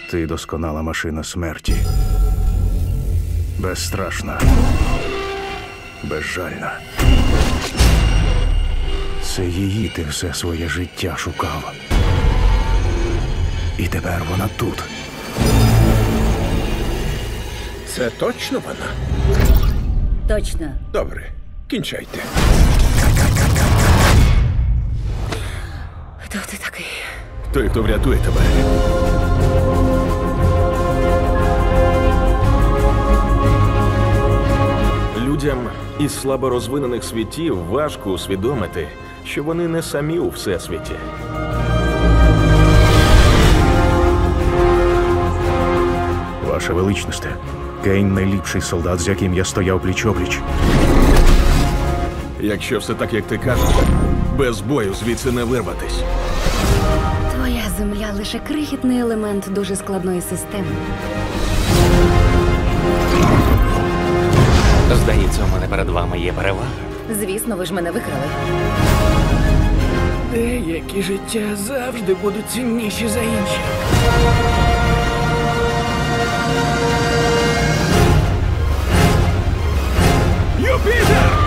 Ти досконала машина смерті. Безстрашна. Безжальна. Це її ти все своє життя шукав. І тепер вона тут. Це точно вона? Точно. Добре, кінчайте. Хто ти такий? Той, хто врятує тебе. Людям із слаборозвинених світів важко усвідомити, що вони не самі у всесвіті. Ваша величність, Кейн найліпший солдат, з яким я стояв пліч-опліч. Якщо все так, як ти кажеш, без бою звідси не вирватись. Твоя земля лише крихітний елемент дуже складної системи. Здається, у мене перед вами є перевага. Звісно, ви ж мене викрали. Деякі життя завжди будуть цінніші за інші. Юпітер!